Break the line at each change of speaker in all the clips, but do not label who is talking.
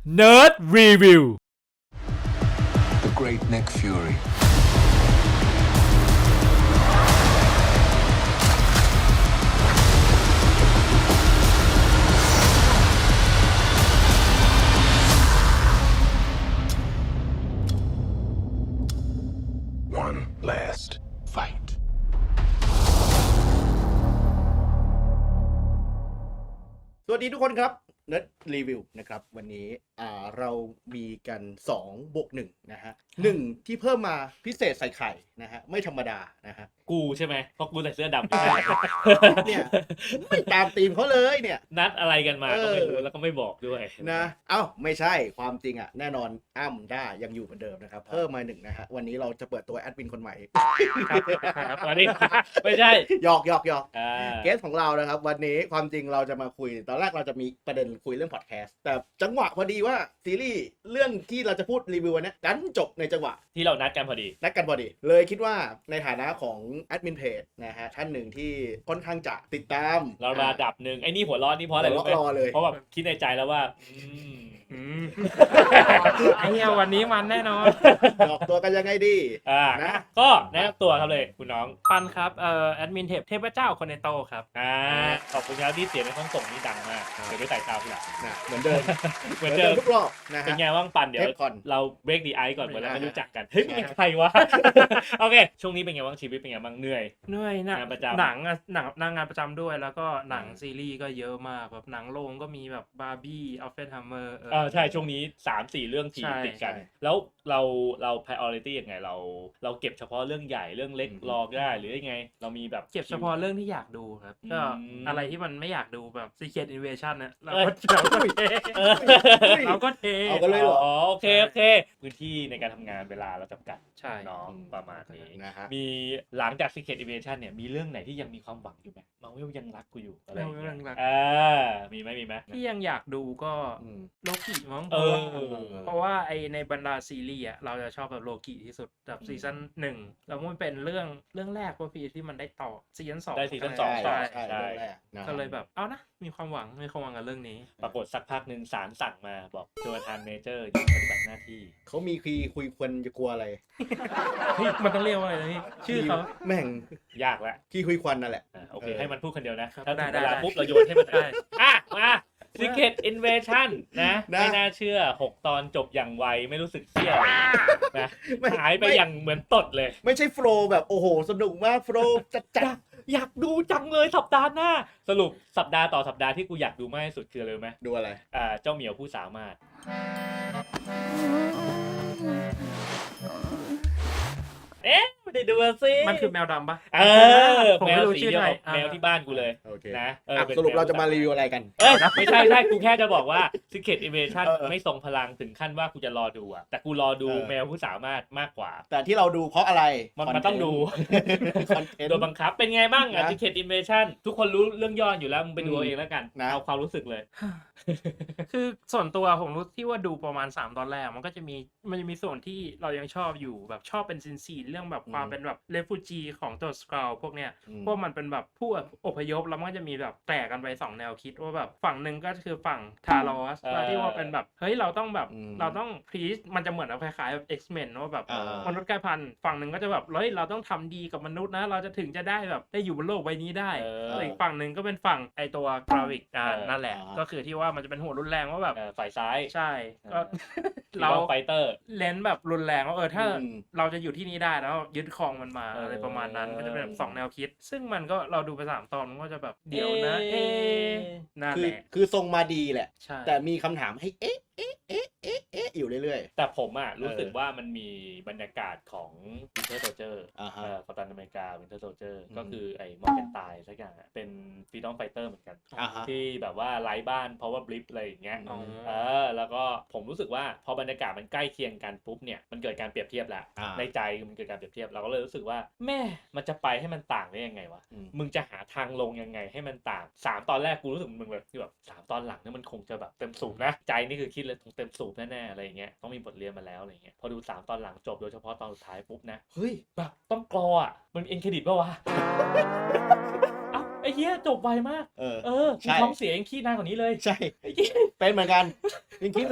Nerd Review
The Great Nick Fury. One last fight.
สวัสดีทุกคนครับ Nerd Review นะครับวันนี้เรามีกัน2 บวก 1นะฮะ1ที่เพิ่มมาพิเศษใส่ไข่นะฮะไม่ธรรมดานะฮะ
กูใช่ไหมเพราะกูใส่เสื้อดำ
เนี่ยไม่ตามธีมเขาเลยเนี่ย
นัดอะไรกันมาก็ไม่รู้แล้วก็ไม่บอกด้วย
นะไม่ใช่ความจริงอ่ะแน่นอนอ้ำด้ายังอยู่เหมือนเดิมนะครับเพิ่มมา1นะฮะวันนี้เราจะเปิดตัวแอดมินคนใหม่
ครับวันนี้ไม่ใช่
หยอกเกสของเรานะครับวันนี้ความจริงเราจะมาคุยตอนแรกเราจะมีประเด็นคุยเรื่องพอดแคสต์แต่จังหวะพอดีว่าซีรีส์เรื่องที่เราจะพูดรีวิววันนี้ดันจบในจังหวะ
ที่เรานัดกันพอดี
เลยคิดว่าในฐานะของแอดมินเพจนะฮะท่านหนึ่งที่ค่อนข้างจะติดตาม
เราระดับหนึ่งไอ้นี่หัวร้อนนี่เพราะอะไรรู้ไหม
รอเลย
เพราะแบบคิดในใจแล้วว่า
ไอ้เหี้ยวันนี้มันแน่นอน
ดอกตัวกันยังไงดี นะ
ก็แนะนำตัวครับเลยคุณน้อง
ปันครับแอดมินเทพเจ้าคนในโตครับ
ขอบคุณครับที่เสียงในห้องส่งนี่ดังมากเดี๋ยวด้วยสายตาคุณละ
นะเหมือนเดิม
เหมือนเดิม
ทุกรอบนะ
เป็น
ฮะ
ไงว่างปันเดี๋ยว
เทปก่อน
เราเบรกดีไอซ์ก่อนเหมือนเราไม่
อ่า
รู้จักกันเฮ้ยมึงเป็นใครวะ โอเคช่วงนี้เป็นไงบ้างชีวิตเป็นไงบ้างเหนื่อย
เหนื่อยนะ
งานประจำ
หนังงานประจำด้วยแล้วก็หนังซีรีส์ก็เยอะมากแบบหนังโรงก็มีแบบบาร์บี้อัลเฟรดฮัมเมอร์
ใช่ช่วงนี้ 3-4 เรื่องที
ใช่
ติดกัน
ใช่
แล้วเรา priority ยังไงเราเก็บเฉพาะเรื่องใหญ่เรื่องเล็กรอได้หรือยังไง เรามีแบบ
เก็บเฉพาะเรื่องที่อยากดูครับก็
อืม
อะไรที่มันไม่อยากดูแบบ Secret Invasion เนี่ยเรา
เอ้ย
ก็เท
เออ
เราก็เท
เอากันเลยเหรอ
โอเคพื้นที่ในการทำงานเวลาเราจำกัด
ใช่
น้องประมาณนี้
นะฮะ
มีหลังจาก Secret Invasion เนี่ยมีเรื่องไหนที่ยังมีความหวังอยู่ไหมมาเวลยังรักกูอยู่อะไรอย่างเงี้ย
ยังรัก
มีไหม
ที่ยังอยากดูก็
อืม
โลกิมั้ง
เออ
เพราะว่าไอในบรรดาซีรีส์อ่ะเราจะชอบแบบโลกิที่สุดแบบซีซั่น1แล้วมันเป็นเรื่องแรกว่าพี่ที่มันได้ต่อซีซั่น2
ได้ซีซั่น 2
ใช่
ต่อ
ใช่เรื่องแรกนะ
ก็เลยแบบเอานะมีความหวังกับเรื่องนี้
ปรากฏสักพักหนึ่งศาลสั่งมาบอกโจนาธานเมเจอร์หยุดปฏิบัติหน้าที่
เขามีคุยควรจะกลัวอะไร
เฮ้ยมันต้องเรียกว่าอะไรนะพี่ชื่อเขา
แม่ง
ยากแล้ว
ขี้คุยควันนั่นแหละ
โอเคให้มันพูดคนเดียวนะ
ครับ
ถ้าถึง
ได้
เวลา
ได้
ปุ๊บเราโยนให้มัน
ได้
มา Secret Invasion นะ
นะ
ไม่น่าเชื่อ 6 ตอนจบอย่างไวไม่รู้สึกเสี้ยวนะ
ไม่
หายไปอย่างเหมือนตดเลย
ไม่ใช่โฟลว์แบบโอ้โหสนุกมากโฟลว์จัด
อยากดูจังเลยสัปดาห์หน้า สรุปสัปดาห์ต่อสัปดาห์ที่กูอยากดูมากที่สุดคืออะไรรู้ไหม
ดูอะไร
เจ้าเหมียวผู้สามารถไม่ได้ดูสิ
มันคือแมวดำปะ ผม
แม
ไม่
ว
รู้
สี
ชื่อ
เดียว
หน่อย
กับแมวที่บ้านกูเลย
โอเค
นะป็น
สรุป
แมว
เราจะมารีวิวอะไรกัน
ไม่ใช่กูแค่จะบอกว่า Secret Invasion
เออ
ไม่ทรงพลังถึงขั้นว่ากูจะรอดูอะแต่กูรอดู
เออ
แมวผู้สามารถมากกว่า
แต่ที่เราดูเพราะอะไร
มันต้องดู
คอนเทนต์
โดยบังคับเป็นไงบ้างอะ
นะ
Secret Invasion ทุกคนรู้เรื่องย่ออยู่แล้วมึงไปดูเอาเองแล้วกัน
นะ
เอาความรู้สึกเลย
คือส่วนตัวผมรู้ที่ว่าดูประมาณ3ตอนแรกมันจะมีส่วนที่เรายังชอบอยู่แบบชอบเป็นซีนเรื่องแบบความเป็นแบบเรฟูจีของตัวสกราวพวกเนี้ย พวกมันเป็นแบบผู้อพยพแล้วมันก็จะมีแบบแตกกันไป2แนวคิดว่าแบบฝั่งหนึ่งก็คือฝั่งทารอสที่ว่าเป็นแบบเฮ้ยเราต้องแบบเราต้องพรีชมันจะเหมือนคล้ายๆแบบ X-Men ว่าแบบมนุษย์กลายพันธุ์ฝั่งหนึ่งก็จะแบบเฮ้ยเราต้องทำดีกับมนุษย์นะเราจะถึงจะได้แบบได้อยู่บนโลกใบนี้ได้ แต่อีกฝั่งหนึ่งก็เป็นฝั่งไอตัวกราวิกนั่นแหละก็คือที่ว่ามันจะเป็นหัวรุนแรงว่าแบบ
ฝ่ายซ้าย
ใช่ก็
เรา
เรา
ไฟเตอร์
เล่นแบบรุนแรงว่าถ้า
อืม
เราจะอยู่ที่นี่ได้แล้วยึดครองมันมา
เอออ
อะไรประมาณนั้นก็จะเป็นแบบ2แนวคิด ซึ่งมันก็เราดูไป3ตอนมันก็จะแบบเดี๋ยวนะ
เอ๊ะ
นั่น
คื
แห
อ
ละ
คือทรงมาดีแหละ
ใช่
แต่มีคำถามให้เอ๊ะอยู่เรื่อย
แต่ผมอะรู้สึกว่ามันมีบรรยากาศของ Winter Soldier
อ่าฮะ
กัปตันอเมริกา Winter Soldier
อืม
ก็คือไอ้มอร์แกนตายสักอย่างอะเป็น Freedom Fighter เหมือนกัน
อ่าฮะ
ที่แบบว่าไร้บ้าน Power Blip อะไรอย่างเงี้ย
อ๋อ
แล้วก็ผมรู้สึกว่าพอบรรยากาศมันใกล้เคียงกันปุ๊บเนี่ยมันเกิดการเปรียบเทียบแล้ว
อ่า
ในใจมันเกิดการเปรียบเทียบเราก็เลยรู้สึกว่าแม่มันจะไปให้มันต่างได้ยังไงวะ
อืม
มึงจะหาทางลงยังไงให้มันต่าง3ตอนแรกกูรู้สึกมึงแบบที่แบบ3ตอนหลังเนี่ยมันคงจะแบบเต็มสูบนะใจนี่คือคิดเลยคงเต็มสูบแน่ๆอะไรอย่างเงี้ยต้องมีบทเรียนมาแล้วอะไรอย่างเงี้ยพอดู3ตอนหลังจบโดยเฉพาะตอนสุดท้ายปุ๊บนะ
เฮ้ย
แบบต้องกรออ่ะมันเอ็นเครดิตป่าวะ เอ้าไอ้เหี้ยจบไวมาก
เออ
มี
ใช่
ท้องเสียยังขี้นานกว่านี้เลย
ใช่
ไอ้เหี้ย
เป็นเหมือนกันยังคิดเลย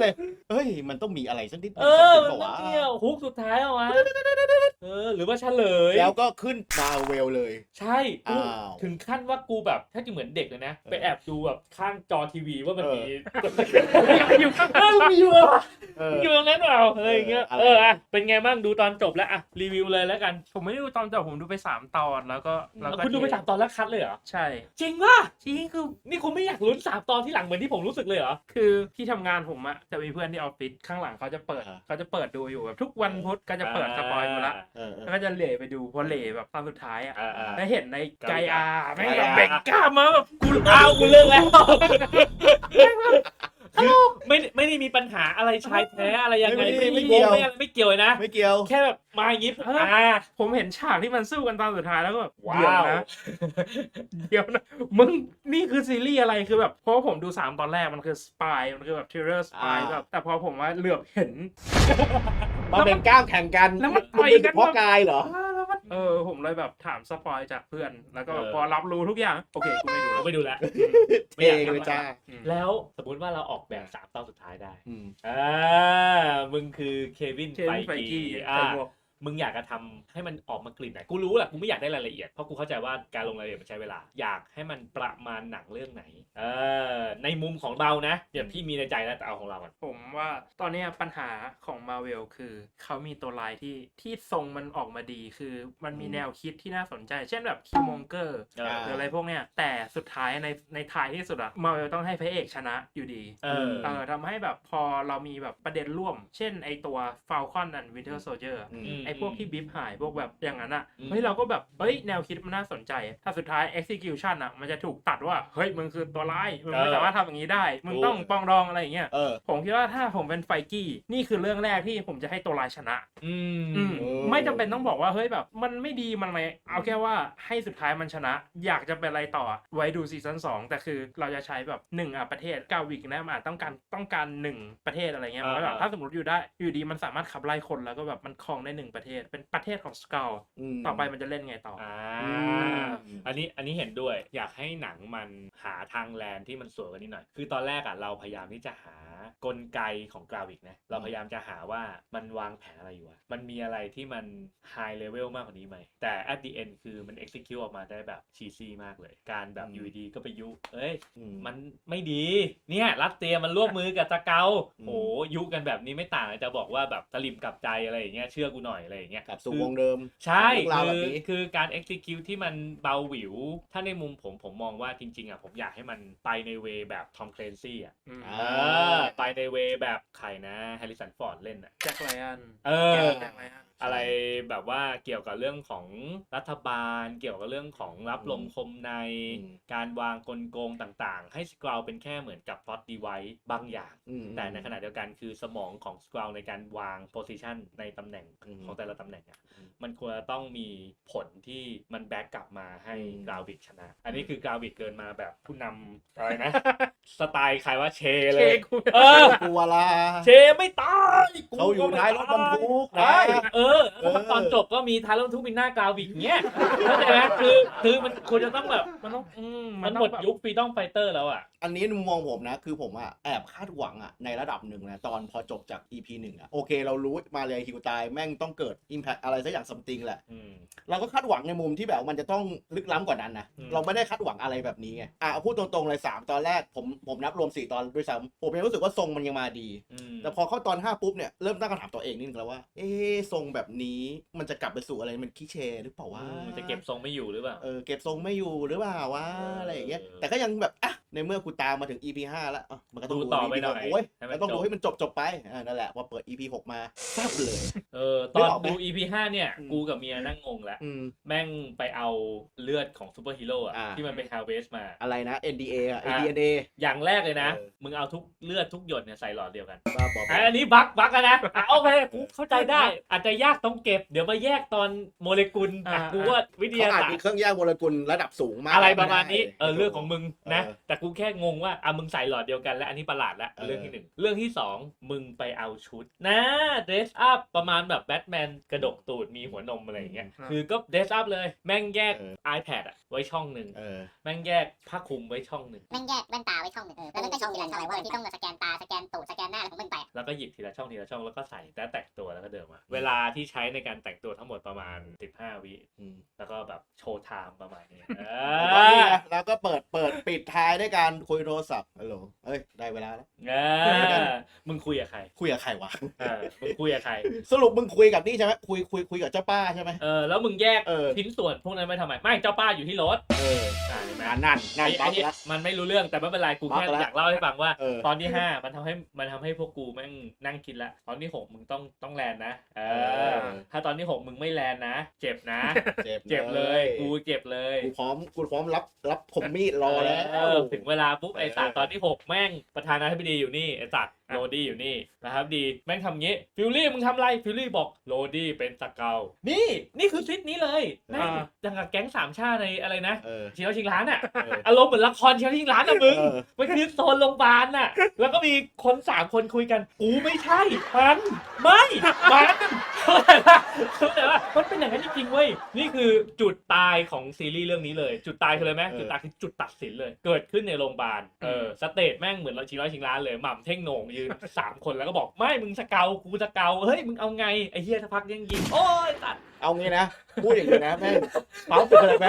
เอ้ยมันต้องมีอะไรสักนิด
เออมันต้องมีฮุกสุดท้ายเอาวะหรือว่าเฉลย
แล้วก็ขึ้นมาเวลเลย
ใช่กู
อ้าว
ถึงขั้นว่ากูแบบถ้าจะเหมือนเด็กเลยนะ ไปแอบดูแบบข้างจอทีวีว่ามันมี
อยู่ข้าง
เออมีอยู่อะ
เออ
อยู่ตรงนั้นเปล่าอะไรอย่างเงี้ย
อะไร
อ่ะเป็นไงบ้างดูตอนจบแล้วอ่ะรีวิวเลยแล้วกัน
ผมไม่ได้ดูตอนจบผมดูไป3ตอนแล้วก็
คุณดูไป3 ตอนแล้วคัดเลยเหรอ
ใช่
จริงป่ะ
จริงคือ
นี่คุณไม่อยากลุ้น3 ตอนที่หลังเหมือนที่ผมรู้สึกเลยเหรอ
คือที่ทำงานผมอะจะมีเพื่อนที่ออฟฟิศข้างหลังเขาจะเปิดดูอยู่แบบทุกวันพุธก็จะเปิดสปอยล์มาละ
เออ
แล้วก็จะเหล่ไปดูพอเหล่แบบตอนสุดท้ายอะ
อ่า
แล้วเห็นในไกอาแม่ง
ไก
แบบ
อา
เบกกล้ามมาแบบกู
อ้าวกูเลิกแล้วไม่ได้มีปัญหาอะไรชายแท้อะไรยังไงไม่เกี่ยวเลยนะ
ไม่เกี่ยว
แค่แบบมาอย่างงี้
ผมเห็นฉากที่มันสู้กันตอนสุดท้ายแล้วก็แบบ
ว้า
เดี๋ยว
ว
นะเดี๋ยวนะมึงนี่คือซีรีส์อะไรคือแบบเพราะว่าผมดู3ตอนแรกมันคือสปายมันคือแบบทริลเลอร์สปายแบบแต่พอผมว่าเหลือบเห็น
มาเป็นกล้ามแข่งกัน
แล้วมันต่อยกัน
เพราะกายเหรอ
ผมเลยแบบถามสปอยจากเพื่อนแล้วก็แบบ
เออ
พอรับรู้ทุกอย่างโอเคกูไม่ดูแล้ว
ไม่ดูแล้ว
เองเลยจ้า
แล้วสมมติว่าเราออกแบบ3 ตอนสุดท้ายได้
อืม
มึงคือเควิน
เคน
ไฟ
ไฟ
กี
กี้
อ่า
ใส่หมวก
มึงอยากจะทำให้มันออกมากลิ่นไหนกูรู้แหละกูไม่อยากได้รายละเอียดเพราะกูเข้าใจว่าการลงรายละเอียดมันใช้เวลาอยากให้มันประมาณหนังเรื่องไหนในมุมของเรานะเดี๋ยวพี่มีในใจแล้วแต่เอาของเราก่อน
ผมว่าตอนเนี้ยปัญหาของมาเวลคือเขามีตัวลายที่ทรงมันออกมาดีคือมันมีแนวคิดที่น่าสนใจ เช่นแบบคิวมงเกอร์
เออ
หรืออะไรพวกเนี้ยแต่สุดท้ายในท้ายที่สุดอะมาเวลต้องให้พระเอกชนะอยู่ดี ทำให้แบบพอเรามีแบบประเด็นร่วม เช่นไอตัว Falcon and Winter Soldier ไอพวกที่บิฟหายพวกแบบอย่างนั้นอ่ะเฮ้ยเราก็แบบเฮ้ยแนวคิดมันน่าสนใจ ถ้าสุดท้าย execution อ่ะมันจะถูกตัดว่าเฮ้ยมึงคือตัวร้ายมึงไม่สามารถทำอย่างนี้ได้มึงต้องปองดองอะไรอย่างเงี้ยผมคิดว่าถ้าผมเป็นไฟกี้นี่คือเรื่องแรกที่ผมจะให้ตัวร้ายชนะไม่จำเป็นต้องบอกว่าเฮ้ยแบบมันไม่ดีมันอะไรเอาแค่ว่าให้สุดท้ายมันชนะ อยากจะเป็นอะไรต่อไว้ดูซีซั่น2แต่คือเราจะใช้แบบ1ประเทศ9 วิกนะมันอาจต้องการ1ประเทศอะไรเงี้ยมันแบบถ้าสมมติอยู่ดีมันสามารถขับไล่คนแล้วก็แบบมันครองได้1ประเทศเป็นประเทศของสกาลต่อไปมันจะเล่นไงต่อ
อันนี้เห็นด้วยอยากให้หนังมันหาทางแลนที่มันสวยกว่านี้หน่อยคือตอนแรกอ่ะเราพยายามที่จะหากลไกของกราวิกนะเราพยายามจะหาว่ามันวางแผนอะไรอยู่มันมีอะไรที่มันไฮเลเวลมากกว่านี้ไหมแต่ at the end คือมัน execute ออกมาได้แบบชีซี่มากเลยการแบบอยู่ดีก็ไปยุมันไม่ดีเนี่ยรัสเซียมันร่วมมือกับสเกาโอ้ยุกันแบบนี้ไม่ต่างจะบอกว่าแบบตะลิมกลับใจอะไรอย่างเงี้ยเชื่อกูหน่อยอะไรอย่างเงี้ย
กลับสู่วงเดิม
ใช่
เรื่องราวแบบนี้
คือการ execute ที่มันเบาหวิวถ้าในมุมผมมองว่าจริงๆอ่ะผมอยากให้มันไปในเวแบบทอมเคลนซี่อ่ะไปในเวแบบใครนะแฮร์ริสันฟอร์ดเล่นอ่ะ
แจ็คไลอัน
แจ็คไลอันอะไรแบบว่าเกี่ยวกับเรื่องของรัฐบาลเกี่ยวกับเรื่องของรับลมคมในการวางกลโกงต่างๆให้สกราวเป็นแค่เหมือนกับพล็อตดีไวซ์บางอย่างแต่ในขณะเดียวกันคือสมองของสกราวในการวางโพซิชันในตำแหน่งของแต่ละตำแหน่งมันควรจะต้องมีผลที่มันแบ็กกลับมาให้กราวิกชนะอันนี้คือกราวิกเกินมาแบบผู้นำอะไรนะ สไตล์ใครว่าเชเลย
กูวาลา
เชไม่ตาย
เขาอยู่ท้ายรถบรรทุกนะ
ตอนจบก็มีท้ายรถบรรทุกมีหน้ากราวิกเงี้ยเข้าใจไหมคือมันควรจะต้องแบบมันหมดยุคฟรีดอมไฟเตอร์แล้วอ่ะ
อันนี้มุมมองผมนะคือผมอะแอบคาดหวังอะในระดับหนึ่งนะตอนพอจบจาก EP 1อะโอเคเรารู้มาเลยฮิวตายแม่งต้องเกิด Impact อะไรสักอย่างซัมติงแหละเราก็คาดหวังในมุมที่แบบมันจะต้องลึกล้ำกว่านั้นนะเราไม่ได้คาดหวังอะไรแบบนี้ไงพูดตรงๆเลย3ตอนแรกผมนับรวม4ตอนด้วยซ้ำผมยังรู้สึกว่าทรงมันยังมาดีแต่พอเข้าตอน5ปุ๊บเนี่ยเริ่มตั้งคำถามตัวเองนิดนึงแล้วว่าทรงแบบนี้มันจะกลับไปสู่อะไรมันคิเชหรือเปล่าว่า
มันจะเก็บทรงไม่อยู่หรือเปล่า
เก็บทรงไม่อยู่หรือเปล่าวะอะไรอย่างเงี้ยแต่ก็ยังแบบในเมื่อกูตามมาถึง EP 5แล้วมันก็ต้อง
ดูต่อไปหน่อย
โอ้ยต้องดูให้มันจบไปนั่นแหละพอเปิด EP 6มาแซ่บเลย
ตอนดู EP 5เนี่ยกูกับเมียนั่งงงแล้วแม่งไปเอาเลือดของซูเปอร์ฮีโร่ที่มันไปฮาร์เวสมา
อะไรนะ NDA DNA
อย่างแรกเลยนะมึงเอาทุกเลือดทุกหยดเนี่ยใส่หลอดเดียวกัน
บ้าบอก
อันนี้บั๊กกันนะโอเคกูเข้าใจได้อาจจะยากต้องเก็บเดี๋ยวมาแยกตอนโมเลกุลกูว่าวิทยาศาสตร์
มีเครื่องแยกโมเลกุลระดับสูงมาก
อะไรประมาณนี้เรื่องของมึงนะแต่กูแค่งงว่ามึงใส่หลอดเดียวกันและอันนี้ประหลาดละเรื่องที่1เรื่องที่2มึงไปเอาชุดนะเดรสอัพประมาณแบบแบทแมนกระดกตูดมีหัวนมอะไรอย่างเงี้ยคือก็เดรสอัพเลยแม่งแยก iPad อะไว้ช่องหนึ่งแม่งแยกผ้าคลุมไว้ช่องหนึ่ง
แม่งแยกแว่นตาไว้ช่องหนึ่งแล้วมันก็ช่องทีละช่องที่ต้องมาสแกนตาสแกนตูดสแกนหน้าอะไรของมึงไป
แล้วก็หยิบทีละช่องแล้วก็ใส่แล้วแต่งตัวแล้วก็เดินมาเวลาที่ใช้ในการแต่งตัวทั้งหมดประมาณ15 วิแล้วก็แบบโชว์ไทม์ประมาณนี้
แล้วก็เปิดปิดท้ายด้วยการคุยโทรศัพท์ฮัลโหลเอ้ยได้เวลาแล้ว
มึงคุยกับใคร
คุยกับใครวะ
มึงคุยกับใคร
สรุปมึงคุยกับนี่ใช่ไหมคุยกับเจ้าป้าใช่ไหม
แล้วมึงแยกชิ้นส่วนพวกนั้นไม่ทำไมไม่เจ้าป้าอยู่ที่รถ
นั่น
มันไม่รู้เรื่องแต่ไม่เป็นไรกูแค่อยากเล่าให้ฟังว่าตอนที่5มันทำให้พวกกูแม่งนั่งคิดละตอนที่6มึงต้องแลนนะถ้าตอนที่6มึงไม่แลนนะเจ็บนะเจ็บเลยกูเจ็บเลย
กูพร้อมรับผมมีดรอแล้ว
ถึงเวลาปุ๊บไอ้สัตว์ตอนที่6แม่งประธานาธิบดีอยู่นี่ไอ้สัตว์โรดี้อยู่นี่นะครับดีแม่งทำงี้ฟิลลี่มึงทำไรฟิลลี่บอกโรดี้เป็นสเกลนี่คือซิดนี้เลยแม่งอย่างกับแก๊งสามชาติในอะไรนะเชียวชิงร้านอ่ะอารมณ์เหมือนละครเชียวชิงร้านอ่ะมึงมันคือโซนโรงพยาบาลน่ะแล้วก็มีคน3 คนคุยกันกูไม่ใช่มันเข้าใจว่ามันเป็นอย่างนั้นจริงๆเว้ยนี่คือจุดตายของซีรีส์เรื่องนี้เลยจุดตายคืออะไรไหมจุดตายคือจุดตัดสินเลยเกิดขึ้นในโรงพยาบาลสเตจแม่งเหมือนเราชิงร้านเลยหม่ำเท่งโหน่งยืน3 คนแล้วก็บอกไม่มึงสเกลกูสเกลเฮ้ยมึงเอาไงไอ้เหี้ยสักพักยังยิงโอ้ยตัด
เอางี้นะพูดอย่างนี้นะแม่งปั๊มเป็นอะไรไหม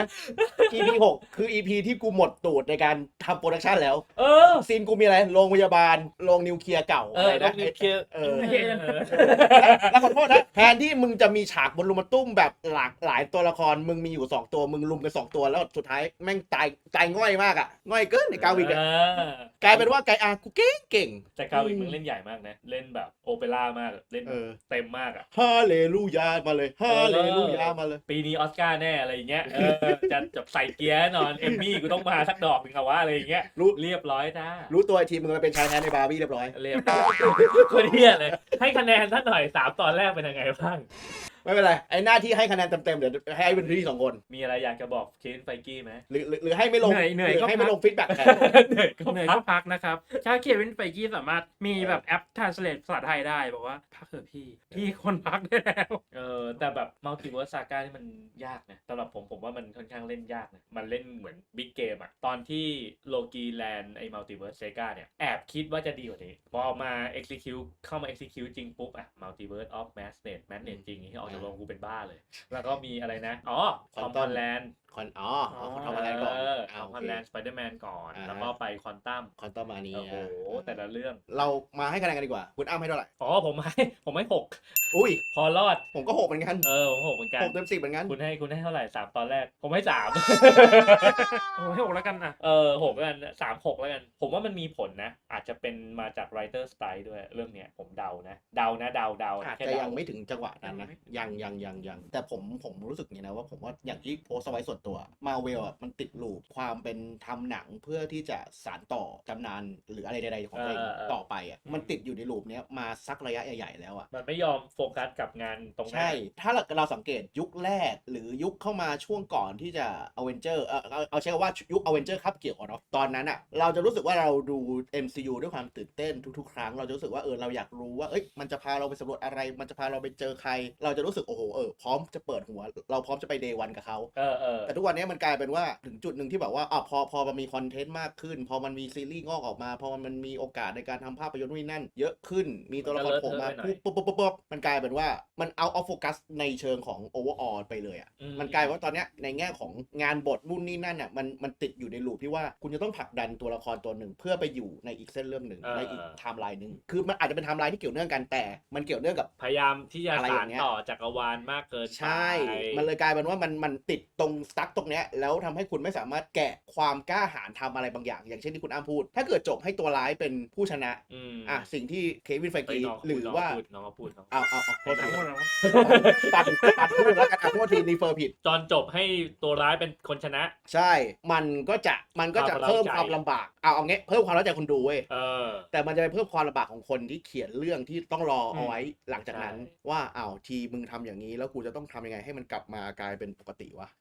EP 6คือ EP ที่กูหมดตูดในการทำโปรดักชันแล้วซีนกูมีอะไรโรงพยาบาลโรงนิวเคลียร์เก่าอะไรนะ
นิวเคลียร์
แล้วขอโทษนะแทนที่มึงจะมีฉากบนลุมตุ้มแบบหลากหลายตัวละครมึงมีอยู่2 ตัวมึงลุมกัน2 ตัวแล้วสุดท้ายแม่งตายง่อยมากอ่ะง่อยเกินในกาวิกกลายเป็นว่าไกอากูเก่ง
แต่กาวิกมึงเล่นใหญ่มากนะเล่นแบบโอเปร่ามากเล่นเต็มมากอ่ะ
ฮาเลลูยามาเลยฮาเลลูยามาเลย
ปีนี้ออสการ์แน่อะไรอย่างเงี้ยจะใส่เกียร์นอนเอมมี่กูต้องมาสักดอกหนึ่งเอาว่าอะไรอย่างเงี้ยเรียบร้อยจ้า
รู้ตัวทีมึงมาเป็นชายแท้ในบาร์บี้เรียบร้อย
คนเฮียเลยให้คะแนนท่านหน่อย3 ตอนแรกเป็นยังไงบ้าง
ไม่เป็นไรไอ้หน้าที่ให้คะแนนเต็มๆเดี๋ยวให้เป็นที่2 คน
มีอะไรอยากจะบอกเคนไฟกี้ไหม
หรือให้ไม่ลง
เหนื่อย
ให้ไม่ลงฟีดแบ็กแทน
เหนื่อยก็พักนะครับถ้าเควินไฟกี้สามารถมีแบบแอป translate ภาษาไทยได้บอกว่าพักเถอะพี่คนพักได้แล้ว
แต่แบบมัลติเวิร์สซาก้านี่มันยากนะสำหรับผมว่ามันค่อนข้างเล่นยากนะมันเล่นเหมือนบิ๊กเกมอะตอนที่โลกีแลนด์ไอ้มัลติเวิร์สซาก้าเนี่ยแอบคิดว่าจะดีกว่านี้พอมา execute เข้ามา execute จริงปุ๊บอะมัลติเวิร์สออฟแมสเนตจริงที่ออกจากโรงกูเป็นบ้าเลยแล้วก็มีอะไรนะคอมพอนแลนด์
คอมพอนแลนด์ก่อน
คอมพอนแลนด์สไปเดอร์แมนก่อนแล้วก็ไปคอนตัม
มานี้
โอ้โหแต่ละเรื่อง
เรามาให้คะแนนกันดีกว่าคุณอ้ำให้เท่าไหร่
ผมให้6
อุ้ย
พอรอด
ผมก็6เหมือนกัน
ผม6เหมือนกัน
6 เต็ม 10เหมือนกัน
คุณให้เท่าไหร่3 ตอนแรกผมให้3
ผมให้6แล้วกันนะ
6แล้วกัน3-6แล้วกันผมว่ามันมีผลนะอาจจะเป็นมาจาก writer style ด้วยเรื่องเนี้ยผมเดานะ
อาจจะยังไม่ถึงจังหวะนั้นนะยังแต่ผมรู้สึกอย่างนี้นะว่าผมว่าอย่างที่โพสต์ไว้ส่วนตัวมาเวลมันติดลูปความเป็นทำหนังเพื่อที่จะสานต่อตำนานหรืออะไรใดๆของตัวเองต่อไปมันติดอยู่ในลูปนี้มาสักระยะใหญ่ๆแล้ว
มันไม่ยอมโฟกัสกับงานตรงนั้น
ใช่ถ้าเราสังเกตยุคแรกหรือยุคเข้ามาช่วงก่อนที่จะอเวนเจอร์เอาใช้คำว่ายุคอเวนเจอร์ครับเกี่ยวเนาะตอนนั้นเราจะรู้สึกว่าเราดู MCU ด้วยความตื่นเต้นทุกๆครั้งเราจะรู้สึกว่าเราอยากรู้ว่ามันจะพาเราไปสำรวจอะไรมันจะพาเราไปเจอใครเราจะรู้สึกโอ้โหพร้อมจะเปิดหัวเราพร้อมจะไปเดย์วันกับเขาแต่ทุกวันนี้มันกลายเป็นว่าถึงจุดหนึ่งที่แบบว่าพอมันมีคอนเทนต์มากขึ้นพอมันมีซีรีส์งอกออกมาพอมันมีโอกาสในการทำภาพยนตร์นู่นนั่นเยอะขึ้นมีตัวละครโผล่มาปุ๊บมันกลายเป็นว่ามันเอาออฟโฟกัสในเชิงของโอเวอร์ออลไปเลยมันกลายว่าตอนนี้ในแง่ของงานบทนู่นนี่นั่นมันติดอยู่ในลูปที่ว่าคุณจะต้องผลักดันตัวละครตัวหนึ่งเพื่อไปอยู่ในอีกเส้นเรื่องหนึ่งในอีกไทม์ไลน์นึงคือมันอาจจะเป็นไทม์ไลน์ที่เกี่ยวเนื่องกันแต่มันเกี่ยวเนื่องกับ
พยายามที่จะสานต่อจักรวาลมากเกิน
ใช่มันเลยกลายเป็นว่ามันติดตรงสตั๊กตรงเนี้ยแล้วทำให้คุณไม่สามารถแกะความกล้าหาญทำอะไรบางอย่างอย่างเช่นที่คุณอ้ำพูดถ้าเกิดจบให้ตัวร้ายเป็นผู้ชนะสิ่งที่เควินไฟกีหรือว่า
น้องพูด
เอาโทษทีตัดพูดแล้วกันโทษทีรีเฟอร์ผิด
ตอนจบให้ตัวร้ายเป็นคนชนะ
ใช่มันก็จะเพิ่มความลำบากเอางี้เพิ่มความเข้าใจคนดูเว้ยแต่มันจะไปเพิ่มความลำบากของคนที่เขียนเรื่องที่ต้องรอเอาไว้หลังจากนั้นว่าทีมึงทำอย่างนี้แล้วกูจะต้องทำยังไงให้มันกลับมากลายเป็นปกติวะ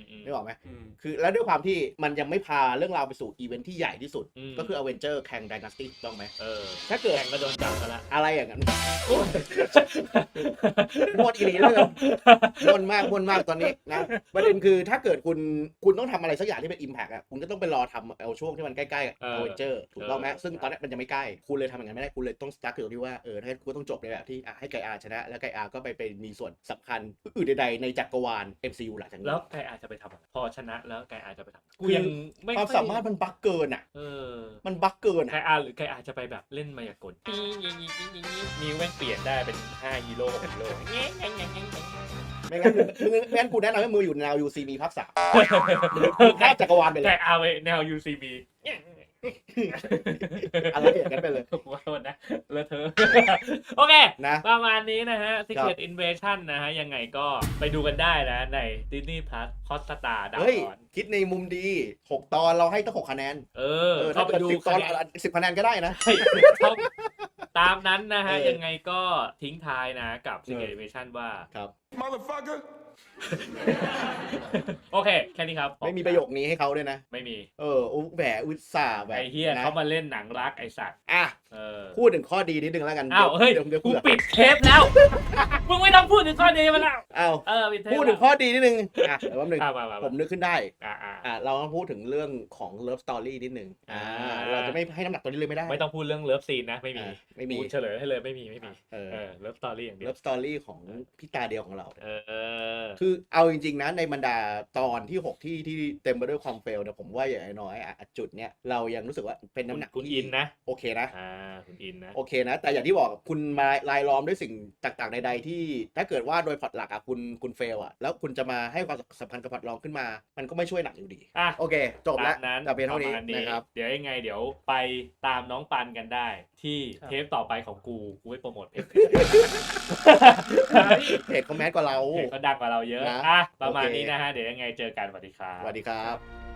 นึกออกไหม
อืม
คือแล้วด้วยความที่มันยังไม่พาเรื่องราวไปสู่อีเวนท์ที่ใหญ่ที่สุด
อืม
ก็คือ Avenger Kang Dynasty ถูกต้องไหม ถ้า
ถ้า
เกิด
แข่งก็โดนจับซะละ
อะไรอย่างนั้นมวนอีหลีเลยมวนมากตอนนี้นะประเด็นคือถ้าเกิดคุณต้องทำอะไรสักอย่างที่เป็น Impact อ่ะคุณก็ต้องไปรอทำเอาช่วงที่มันใกล้ๆกับ Avenger ถูกต้องไหมซึ่งตอนนี้มันยังไม่ใกล้คุณเลยทำอย่างนั้นไม่ได้คุณเลยต้องสตาร์ทอยู่ที่ว่าถ้าคุณต้องจบในแบบที่ให้ไกอาชนะแล้วไกอาก็ไปมีส่วนสำคัญอื่นใดๆในจักรวาล MCU หลังจากนี้
แล้วไกอาจจะไปทำอะไรพอชนะแล้วไกอาจจะไปทำกู
คือ
ยังไม่
ความสามารถมันบั๊กเกินอ่ะ มันบั๊กเกิน
ไก
อ่ะ
อาหรือไกอาจะไปแบบเล่นมายากลมีแม่งเปลี่ยนได้เป็น5ฮีโร่6ฮีโร่
ไม่งั้นกูแนะนำให้มืออยู่แนว UCB ภาค 3ข้ามจักรวาลไปเล
ไก
ย
อาไปแนว UCB
อะไรอย่างนั้นไปเลย
ขอโทษนะเลอะเทอะโอเค
นะ
ประมาณนี้นะฮะ Secret Invasion นะฮะ ยังไงก็ไปดูกันได้นะ ใน Disney Plus Hotstar ดาว
เฮ้ย
น์
คิดในมุมดี 6 ตอนเราให้ตั้ง6 คะแนน
เข้า
ถ้า
ไป
เกิด
ดู
10 ตอน
คะแนน
10 คะแนนก็ได้นะ
ใช่เขาตามนั้นนะฮะ
เออ
ยังไงก็ทิ้งท้ายนะกับ Secret Invasion ว่า
ครับ
Motherfucker!
โอเค แค่นี้ครับ
ไม่มีประโยคนี้ให้เขาด้วยนะ
ไม่มี
แหวอุตส่าห์แบบ
ไอ้เฮีย
นะ
เขามาเล่นหนังรักไอสัตว์
อ่ะ
เออ
พูดถึงข้อดีนิดนึงแล้วกัน
อ้าวเฮ้ย
เดี๋ยว
กู
เผื่อ
ปิดเทปแล้ว มึงไม่ต้องพูดถึงข้อดีมาแล้ว
อ้าว
ปิดเทป
พูดถึงข้อดีนิดนึงอ่ะเดี๋ยวแป๊บนึง
มา
ผมนึกขึ้นได้
ๆ
เราต้องพูดถึงเรื่องของ Love Story นิดนึงเราจะไม่ให้น้ำหนักตัวนี้เลยไม่ได้
ไม่ต้องพูดเรื่องเลิฟซีนนะ ไม่มี
ไม่มี
กูเฉลยให้เลยไม่มี
เออ
เลิฟสตอรี่อย่างเดียว
Love Story ของพี่ตาเดียวของเรา
คือ
เอาจริงๆนะในบรรดาตอนที่ 6 ที่เต็มไปด้วยความเฟลเนี่ยผมว่าอย่างน้อยจุดเนี้ยเรายังรู้สึกว่าเป็นน้ำหนัก
คุณ
ที่
อินนะ
โอเคนะ
คุณอินนะ
โอเคนะ แต่อย่างที่บอกคุณมาลายล้อมด้วยสิ่งต่างๆใดๆที่ถ้าเกิดว่าโดยพล็อตหลักคุณเฟลแล้วคุณจะมาให้ความสำคัญกับพล็อตรองขึ้นมา มันก็ไม่ช่วยหนักอยู่ดี โอเค จบแล้ว
ตามนั้น
แต่เพียงเท่านี้
ประมณ
นะครับ
เดี๋ยวยังไงเดี๋ยวไปตามน้องปันกันได้ ที่
ครับ
เทปต่อไปของกูไม่โปรโมทเพจ
เพจคอมเมนต์กว่าเรา
เพจเขาดังกว่าเราเยอะ
นะ
ประมาณ
โอเค
นี้นะฮะ เดี๋ยวยังไงเจอกันสวัสดีครับ
สวัสดีครับ